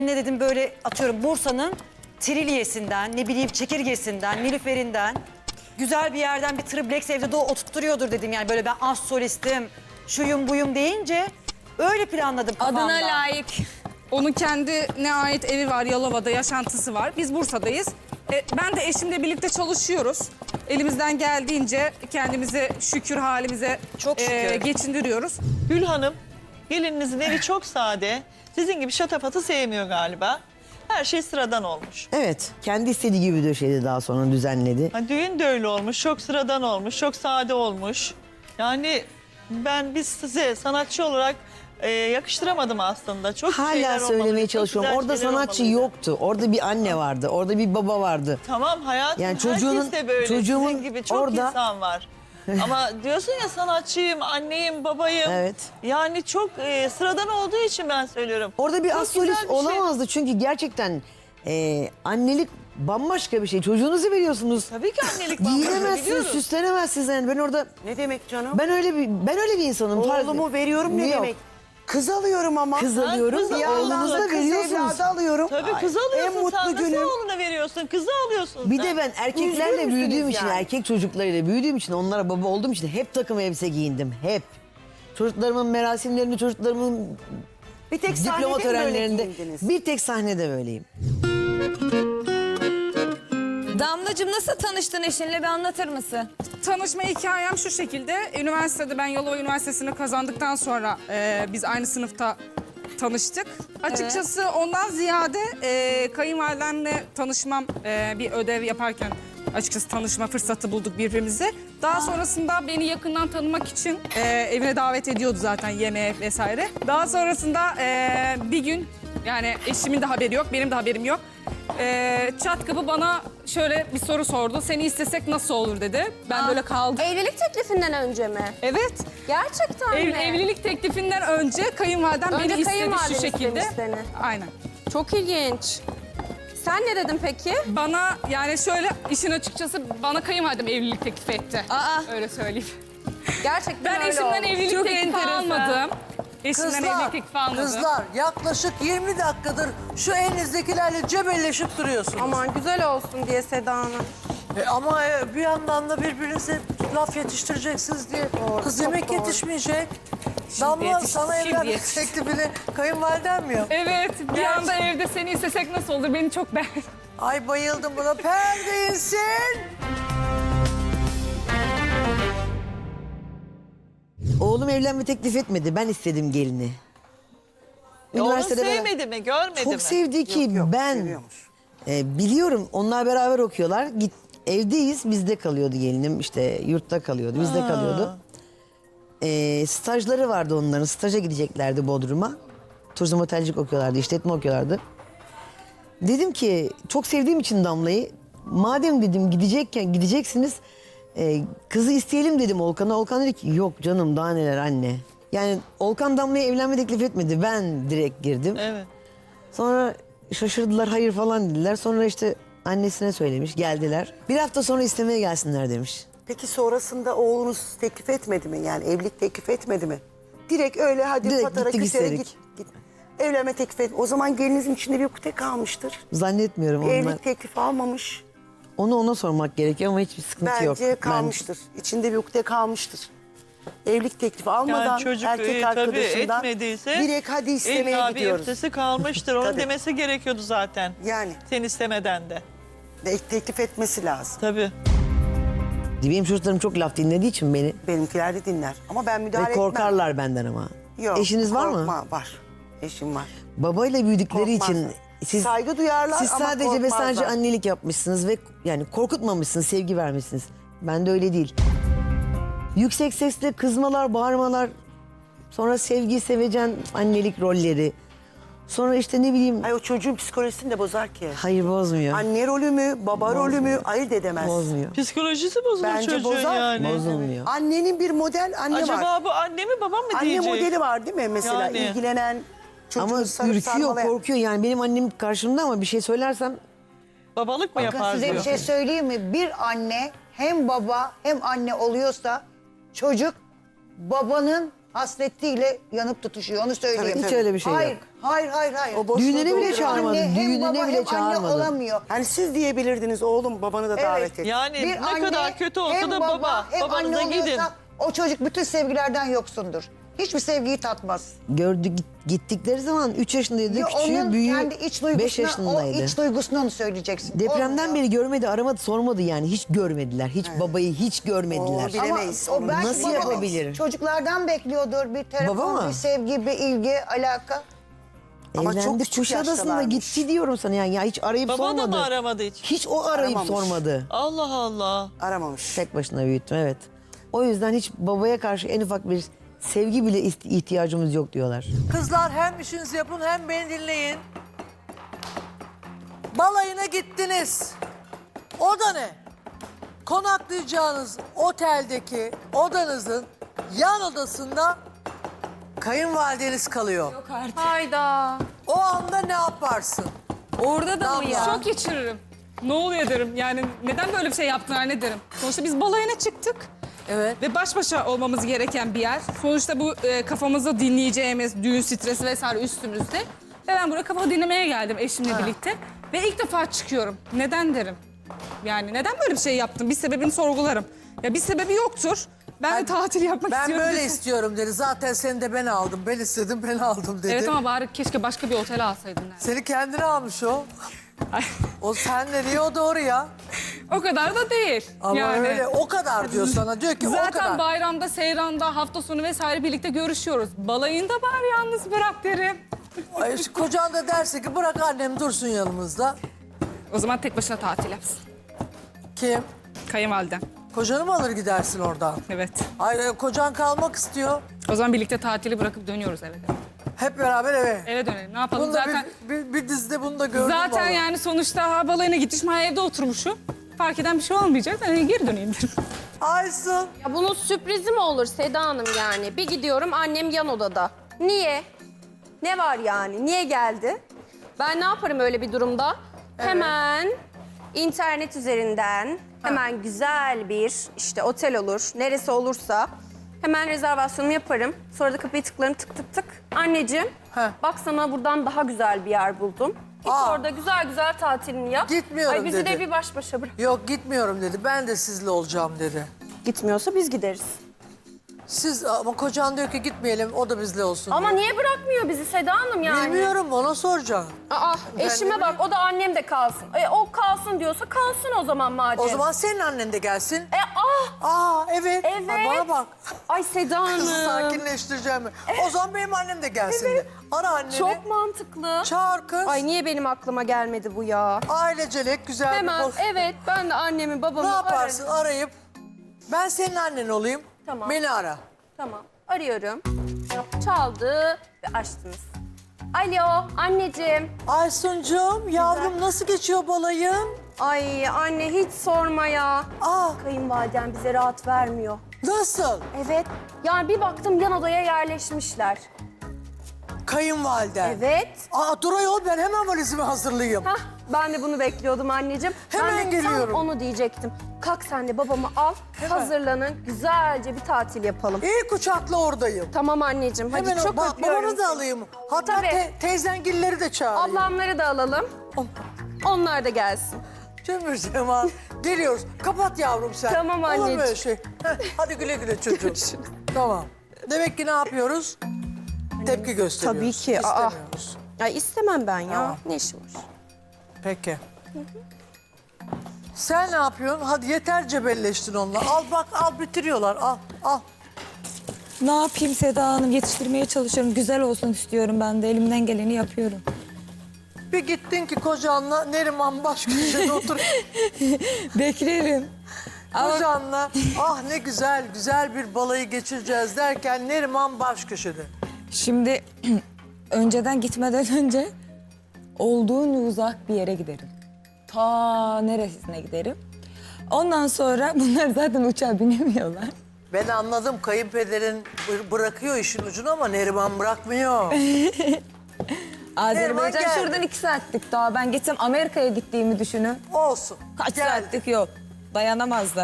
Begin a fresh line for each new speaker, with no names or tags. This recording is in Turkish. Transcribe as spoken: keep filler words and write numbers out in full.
Ne dedim böyle atıyorum Bursa'nın trilyesinden, ne bileyim çekirgesinden, nilüferinden güzel bir yerden bir triplex evde de oturtturuyordur dedim yani böyle ben az solistim, şuyum buyum deyince öyle planladım kafamda.
Adına layık.
Onun kendine ait evi var, Yalova'da yaşantısı var. Biz Bursa'dayız. E, ben de eşimle birlikte çalışıyoruz. Elimizden geldiğince kendimizi şükür halimize
Çok şükür.
e, geçindiriyoruz.
Gül Hanım, gelininizin evi çok sade. Sizin gibi şatafatı sevmiyor galiba. Her şey sıradan olmuş.
Evet, kendi istediği gibi döşedi daha sonra düzenledi.
Ha, düğün de öyle olmuş, çok sıradan olmuş, çok sade olmuş. Yani ben biz size sanatçı olarak e, yakıştıramadım aslında. Çok şeyler
Hala
olmalıydı,
söylemeye
çok
çalışıyorum.
güzel
Orada
şeyler
sanatçı
olmalıydı.
yoktu. Orada bir anne vardı, orada bir baba vardı.
Tamam hayatım,
Yani çocuğunun-
herkes de böyle.
çocuğumun
Sizin gibi çok
orada-
insan var. Ama diyorsun ya sanatçıyım, anneyim, babayım.
Evet.
Yani çok e, sıradan olduğu için ben söylüyorum.
Orada bir
Çok
astrolist
güzel bir şey.
olamazdı çünkü gerçekten e, annelik bambaşka bir şey. Çocuğunuzu veriyorsunuz.
Tabii ki annelik bambaşka,
Giyinemezsiniz,
biliyoruz.
süslenemezsiniz yani. Ben orada
Ne demek canım?
ben öyle bir ben öyle bir insanım.
Oğlumu veriyorum ne
Yok.
demek? Kız alıyorum ama.
Kız alıyorum,
kız
bir
Bir yandan
oğlunuzu
da
da
kız
veriyorsunuz.
evladı alıyorum.
Tabii kızı
En
alıyorsun
mutlu
sen. Nasıl
günüm.
oğlunu veriyorsun? Kızı alıyorsun
Bir
sen.
de ben erkeklerle
Üzgün
büyüdüğüm
müsünüz
için,
yani?
erkek çocuklarıyla büyüdüğüm için, onlara baba olduğum için hep takım elbise giyindim. Hep. Çocuklarımın merasimlerinde, çocuklarımın
Bir tek
diploma
sahnede mi böyle
törenlerinde
giyindiniz?
bir tek sahnede böyleyim.
Damlacığım nasıl tanıştın eşinle bir anlatır mısın?
Tanışma hikayem şu şekilde. Üniversitede ben Yalova Üniversitesi'ni kazandıktan sonra e, biz aynı sınıfta tanıştık. Açıkçası ondan ziyade e, kayınvalidemle tanışmam e, bir ödev yaparken açıkçası tanışma fırsatı bulduk birbirimize. Daha sonrasında beni yakından tanımak için e, evine davet ediyordu zaten yemeğe vesaire. Daha sonrasında e, bir gün yani eşimin de haberi yok, benim de haberim yok. E, çat kapı bana şöyle bir soru sordu. Seni istesek nasıl olur dedi. Ben böyle kaldım.
Evlilik teklifinden önce mi?
Evet.
Gerçekten
Ev-
mi?
evlilik teklifinden önce kayınvalidem
Önce
beni istedi
kayınvaliden
şu şekilde.
istemiş seni.
Aynen.
Çok ilginç. Sen ne dedin peki?
Bana yani şöyle işin açıkçası bana kayınvalidem evlilik teklif etti.
Aa.
Öyle söyleyeyim.
Gerçekten
Ben
öyle
eşimden
oldu.
evlilik
Çok
teklifi
enteresan.
almadım. Eşimden evlilik teklifi almadım.
kızlar yaklaşık yirmi dakikadır şu elinizdekilerle cebelleşip duruyorsunuz.
Aman güzel olsun diye Seda Hanım.
E, ama e, bir yandan da birbirinize laf yetiştireceksiniz diye kız
çok
yemek
doğru.
yetişmeyecek. Damla
yetiş-
sana
şimdi
evlenmek
yetiş.
teklifini kayınvaliden mi yaptı?
Evet, bir
Gerçi-
anda evde seni istesek nasıl olur? Beni çok beğendi.
Ay bayıldım buna. Perde insin.
Oğlum evlenme teklif etmedi. Ben istedim gelini.
E, onu
Üniversitede beraber-
sevmedi mi, görmedi
Çok
mi?
sevdi ki
Yok, yok,
ben
seviyormuş.
e, biliyorum onlar beraber okuyorlar. Git evdeyiz, bizde kalıyordu gelinim, işte yurtta kalıyordu, bizde kalıyordu. E, stajları vardı onların, staja gideceklerdi Bodrum'a. Turizm otelcilik okuyorlardı, işletme okuyorlardı. Dedim ki çok sevdiğim için Damla'yı, madem dedim gidecekken gideceksiniz, e, kızı isteyelim dedim Olkan'a. Olkan dedi ki yok canım daha neler anne. Yani Olkan Damla'ya evlenme teklif etmedi, ben direkt girdim.
Evet.
Sonra şaşırdılar, hayır falan dediler. Sonra işte annesine söylemiş, geldiler. Bir hafta sonra istemeye gelsinler demiş.
Peki sonrasında oğlunuz teklif etmedi mi? Yani evlilik teklif etmedi mi? Direkt öyle hadi
Direkt
patara
gittik
küsere
istedik.
git. git. Evlenme teklif et. O zaman gelinizin içinde bir ukde kalmıştır.
Zannetmiyorum
Bir
onlar.
evlilik teklifi almamış.
Onu ona sormak gerekiyor ama hiçbir sıkıntı yok.
Bence kalmıştır. İçinde bir ukde kalmıştır. Evlilik teklifi almadan
Yani çocuk
erkek
e, tabii
arkadaşından
etmediyse
direkt hadi istemeye
illa bir
gidiyoruz.
öftesi kalmıştır. Onun
Tabii.
demesi gerekiyordu zaten.
Yani
Sen istemeden de.
de- teklif etmesi lazım.
Tabii.
Ben, benim çocuklarım çok laf dinlediği için beni
Benimkiler de dinler. Ama ben müdahale
ve
etmem.
korkarlar benden ama.
Yok,
Eşiniz var mı?
korkma, Var. Eşim var.
Babayla büyüdükleri
Korkmazlar.
için siz
Saygı duyarlar
siz
ama
sadece ve
korkmazlar.
sadece annelik yapmışsınız ve yani korkutmamışsınız, sevgi vermişsiniz. Ben de öyle değil. Yüksek sesle kızmalar, bağırmalar, sonra sevgi, sevecen annelik rolleri. Sonra işte ne bileyim,
Ay o çocuğun psikolojisini de bozar ki.
hayır bozmuyor.
Anne rolü mü, baba rolü mü ayırt edemez.
Bozmuyor.
Psikolojisi bozulur
Bence
çocuğun
bozar.
yani.
Bozulmuyor.
Annenin bir model anne var.
Acaba bu anne mi baba mı
Anne
diyecek?
modeli var değil mi mesela
Yani.
ilgilenen çocuğu
Ama
sarıp
ürküyor,
sarmalayan.
korkuyor yani. Benim annem karşımda ama bir şey söylersem
Babalık mı
Bakın
yapar
size
diyor.
bir şey söyleyeyim mi? Bir anne hem baba hem anne oluyorsa çocuk babanın hasretiyle yanıp tutuşuyor. Onu söyleyeyim.
Tabii,
Hiç öyle bir şey
hayır,
yok.
Hayır, hayır, hayır.
O boşluğu
Düğününe bile
dolduramaz.
çağırmadı.
Anne, hem
Düğününe
baba,
bile
hem
çağırmadı.
anne olamıyor.
Hani siz diyebilirdiniz oğlum babanı da
Evet.
davet et.
Yani
Bir
ne
anne,
kadar kötü olsa
hem
da baba,
hem
babanıza
anne
gidin.
oluyorsa o çocuk bütün sevgilerden yoksundur. Hiçbir sevgiyi tatmaz.
Gördük gittikleri zaman üç yaşındaydı,
Ya
küçüğü,
onun
büyüğü
kendi iç
beş
duygusuna, o
yaşındaydı.
iç duygusunu onu söyleyeceksin.
Depremden
Olmuyor.
beri görmedi, aramadı, sormadı yani. Hiç görmediler. Hiç babayı hiç görmediler.
Oo, bile- bilemeyiz
Ama o
onu.
belki
Nasıl
baba
yapabilir?
Çocuklardan bekliyordur bir telefon,
Baba mı?
bir sevgi, bir ilgi, alaka.
Ama çok
Evlendi,
küçük
Kuşadası'nda
yaştalarmış.
gitti diyorum sana yani. Ya hiç arayıp
Baba
sormadı.
da mı aramadı hiç?
Hiç o arayıp
Aramamış.
sormadı.
Allah Allah.
Aramamış.
Tek başına büyüttüm, evet. O yüzden hiç babaya karşı en ufak bir sevgi bile ist- ihtiyacımız yok diyorlar.
Kızlar hem işinizi yapın hem beni dinleyin. Balayına gittiniz. O da ne? Konaklayacağınız oteldeki odanızın yan odasında kayınvalideniz kalıyor.
Hayda.
O anda ne yaparsın?
Orada da mı ya?
Şok geçiririm. Ne oluyor derim. Yani neden böyle bir şey yaptılar ne derim. Sonuçta biz balayına çıktık.
Evet.
Ve baş başa olmamız gereken bir yer. Sonuçta bu e, kafamızda dinleyeceğimiz düğün stresi vesaire üstümüzde. Ve ben buraya kafamı dinlemeye geldim eşimle birlikte. Ve ilk defa çıkıyorum. Neden derim. Yani neden böyle bir şey yaptım? Bir sebebini sorgularım. Ya bir sebebi yoktur. Ben de tatil yapmak
Ben
istiyorum.
böyle
dedim.
istiyorum dedi. Zaten seni de ben aldım. Ben istedim ben aldım dedi.
Evet ama bari keşke başka bir otele alsaydın. Yani.
Seni kendine almış o.
Ay,
O sen ne diyor o doğru ya.
o kadar da değil.
Ama
yani.
öyle o kadar diyor sana. Diyor ki o
Zaten
kadar.
bayramda, seyranda, hafta sonu vesaire birlikte görüşüyoruz. Balayında bari yalnız bırak derim.
Ay, şu kocan da derse ki bırak annem dursun yanımızda.
O zaman tek başına tatil yapsın.
Kim?
Kayınvalidem.
Kocanı mı alır gidersin oradan?
Evet.
Hayır kocan kalmak istiyor.
O zaman birlikte tatili bırakıp dönüyoruz eve.
Hep beraber eve.
Eve dönelim. Ne yapalım
Bunu da
zaten?
bir, bir, bir dizide bunu da gördüm
Zaten
vallahi.
yani sonuçta ha, balayına gitmişim, ha, evde oturmuşum. Fark eden bir şey olmayacak. Ben geri döneyim derim.
Aysun.
Ya bunun sürprizi mi olur Seda Hanım yani? Bir gidiyorum annem yan odada. Niye? Ne var yani? Niye geldi? Ben ne yaparım öyle bir durumda? Hemen internet üzerinden hemen güzel bir işte otel olur, neresi olursa hemen rezervasyonumu yaparım. Sonra da kapıyı tıklarım tık tık tık. Anneciğim
Heh.
bak sana buradan daha güzel bir yer buldum. Git
Aa.
orada güzel güzel tatilini yap.
Gitmiyorum
Ay bizi
dedi.
de bir baş başa bırak.
Yok gitmiyorum dedi. Ben de sizle olacağım dedi.
Gitmiyorsa biz gideriz.
Siz ama kocan diyor ki gitmeyelim o da bizle olsun
Ama
diyor.
niye bırakmıyor bizi Seda Hanım yani?
Bilmiyorum ona soracağım.
Aa,
Ben
eşime
ne
bak o da annem de kalsın. E, o kalsın diyorsa kalsın o zaman madem.
O zaman senin annen de gelsin.
E ah!
Aa evet.
Evet.
Ha, bana bak.
Ay Seda Hanım.
Kızı sakinleştireceğim. O zaman benim annem de gelsin de. Ara anneni.
Çok mantıklı.
Çağır kız.
Ay niye benim aklıma gelmedi bu ya?
Ailecelek güzel
Hemen
bir poz.
evet ben de annemi babamı
Ne yaparsın
ararım.
arayıp ben senin annen olayım.
Tamam.
Beni ara.
Tamam arıyorum. Çaldı ve açtınız. Alo anneciğim.
Aysuncuğum yavrum nasıl geçiyor balayın?
Ay anne hiç sorma ya.
Aa
Kayınvaliden bize rahat vermiyor.
nasıl?
Evet. Yani bir baktım yan odaya yerleşmişler.
Kayınvaliden.
Evet.
Aa dur ayol ben hemen valizimi hazırlayayım.
Hah, ben de bunu bekliyordum anneciğim.
Hemen
ben de
geliyorum.
tam onu diyecektim. Kalk sen de babamı al, hazırlanın, güzelce bir tatil yapalım.
İyi uçakla oradayım.
Tamam anneciğim, hadi
Hemen
çok
bak
öpüyorum
babanı da
seni.
alayım. Hatta
Tabii.
te- teyzengilleri de çağırayım.
Ablamları da alalım. Onlar da gelsin.
Cemil Cemal geliyoruz. Kapat yavrum sen.
Tamam
Olur mu
anneciğim.
öyle şey? Heh, hadi güle güle çocuğum. Tamam. Demek ki ne yapıyoruz? Tepki gösteriyoruz.
Tabii ki, aa.
İstemiyoruz.
Ay istemem ben ya.
Tamam.
Ne işim var?
Peki. Sen ne yapıyorsun? Hadi yeter cebelleştin onunla. Al bak al bitiriyorlar. Al al.
Ne yapayım Seda Hanım? Yetiştirmeye çalışıyorum. Güzel olsun istiyorum ben de. Elimden geleni yapıyorum.
Bir gittin ki kocanla Neriman baş köşede otur.
Beklerim. Ama
Kocanla ah ne güzel güzel bir balayı geçireceğiz derken Neriman baş köşede.
şimdi önceden gitmeden önce olduğunca uzak bir yere giderim. Ta neresine giderim. Ondan sonra bunlar zaten uçağa binemiyorlar.
Ben anladım kayınpederin bı- bırakıyor işin ucunu ama Neriman bırakmıyor.
Azerbaycan
geldi.
şuradan iki saatlik daha. Ben gitsem Amerika'ya gittiğimi düşünün.
Olsun.
Kaç
Geldi.
saatlik yol. Dayanamazlar.